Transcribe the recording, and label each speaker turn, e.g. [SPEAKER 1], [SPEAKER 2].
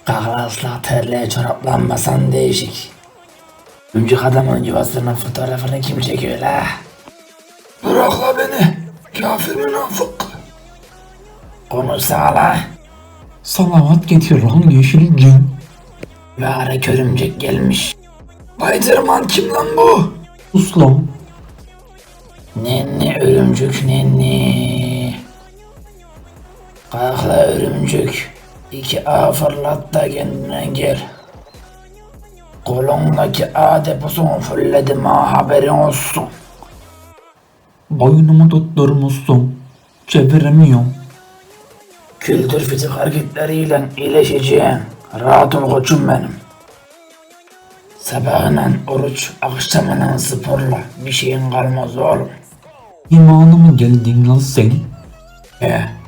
[SPEAKER 1] Kahvaltıla terliğe çoraplanmasan değişik. Öncük adamın yuvasının fotoğrafını kim çekiyor la? Bırak la beni. Kafir münafık. Konuşsana la.
[SPEAKER 2] Salavat getir lan yeşil cin.
[SPEAKER 1] Mübarek örümcek gelmiş. Spiderman kim lan bu?
[SPEAKER 2] Sus lan.
[SPEAKER 1] Nenni örümcük nenni. Kalk la örümcük. 2A fırlat da kendine gel. Kolundaki A deposunu fulledim ha, haberin olsun.
[SPEAKER 2] Boynumu tutturmuşsun. Çeviremiyorum.
[SPEAKER 1] Kültür fizik hareketleriyle iyileşeceğin. Rahat ol koçum benim. Sabahına oruç, akşamına sporla. Bir şeyin kalmaz oğlum.
[SPEAKER 2] İmanı mı geldin lan sen?
[SPEAKER 1] He,